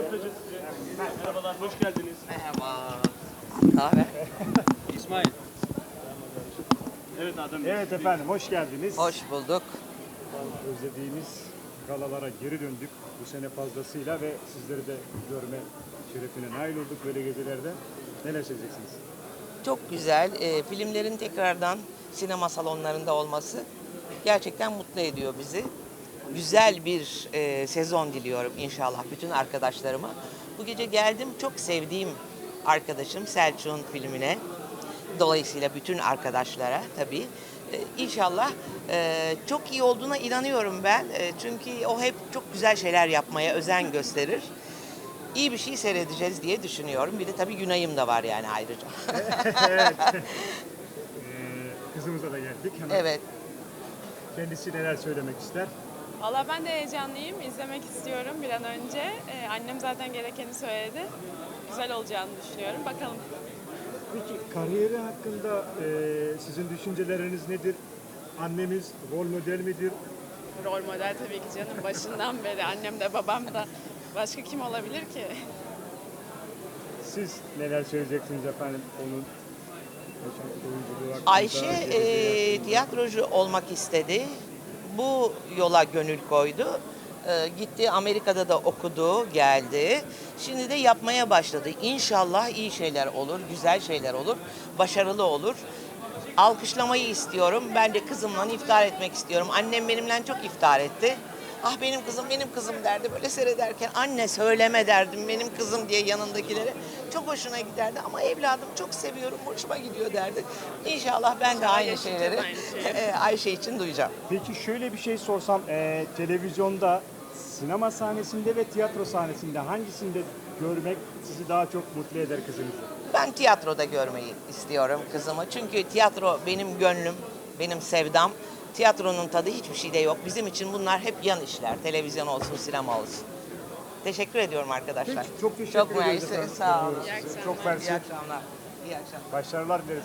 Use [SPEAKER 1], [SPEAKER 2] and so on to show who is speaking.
[SPEAKER 1] röportajı size. Merhabalar, hoş geldiniz.
[SPEAKER 2] Merhaba. Kahve.
[SPEAKER 1] İsmail. Evet Adem Bey.
[SPEAKER 3] Evet efendim, hoş geldiniz.
[SPEAKER 2] Hoş bulduk.
[SPEAKER 3] Özlediğimiz galalara geri döndük bu sene fazlasıyla ve sizleri de görme şerefine nail olduk böyle gecelerde. Neler söyleyeceksiniz?
[SPEAKER 2] Çok güzel. Filmlerin tekrardan sinema salonlarında olması gerçekten mutlu ediyor bizi. Güzel bir sezon diliyorum inşallah bütün arkadaşlarıma. Bu gece geldim, çok sevdiğim arkadaşım Selçuk'un filmine. Dolayısıyla bütün arkadaşlara tabii. İnşallah çok iyi olduğuna inanıyorum ben. Çünkü o hep çok güzel şeyler yapmaya özen gösterir. İyi bir şey seyredeceğiz diye düşünüyorum. Bir de tabii Günay'ım da var yani ayrıca.
[SPEAKER 3] Kızımıza da geldik. Hemen
[SPEAKER 2] Evet.
[SPEAKER 3] kendisi neler söylemek ister?
[SPEAKER 4] Valla ben de heyecanlıyım. İzlemek istiyorum bir an önce. Annem zaten gerekeni söyledi. Güzel olacağını düşünüyorum. Bakalım.
[SPEAKER 3] Peki kariyeri hakkında sizin düşünceleriniz nedir? Annemiz rol model midir?
[SPEAKER 4] Rol model tabii ki canım. Başından beri annem de babam da. Başka kim olabilir ki?
[SPEAKER 3] Siz neler söyleyeceksiniz efendim onun oyunculuğu hakkında?
[SPEAKER 2] Ayşe
[SPEAKER 3] geleceği hakkında?
[SPEAKER 2] tiyatrocu olmak istedi. Bu yola gönül koydu. Gitti Amerika'da da okudu, geldi. Şimdi de yapmaya başladı. İnşallah iyi şeyler olur, güzel şeyler olur, başarılı olur. Alkışlamayı istiyorum. Ben de kızımla iftar etmek istiyorum. Annem benimle çok iftar etti. Ah benim kızım derdi böyle seyrederken. Anne söyleme derdim benim kızım diye yanındakilere. Çok hoşuna giderdi ama evladım çok seviyorum, hoşuma gidiyor derdi. İnşallah ben de aynı
[SPEAKER 4] yaşayacağız
[SPEAKER 2] şeyleri
[SPEAKER 4] aynı şeyi.
[SPEAKER 2] Ayşe için duyacağım.
[SPEAKER 3] Peki şöyle bir şey sorsam, televizyonda, sinema sahnesinde ve tiyatro sahnesinde hangisinde görmek sizi daha çok mutlu eder kızınızı?
[SPEAKER 2] Ben tiyatroda görmeyi istiyorum kızımı. Çünkü tiyatro benim gönlüm, benim sevdam. Tiyatronun tadı hiçbir şeyde yok. Bizim için bunlar hep yan işler. Televizyon olsun, sinema olsun. Teşekkür ediyorum arkadaşlar.
[SPEAKER 3] Peki, çok teşekkür
[SPEAKER 2] Çok
[SPEAKER 3] ederiz
[SPEAKER 2] mersi,
[SPEAKER 3] efendim.
[SPEAKER 2] sağ olun.
[SPEAKER 4] İyi akşamlar.
[SPEAKER 3] Çok mersi.
[SPEAKER 2] İyi akşamlar. İyi akşamlar.
[SPEAKER 3] Başarılar dileriz.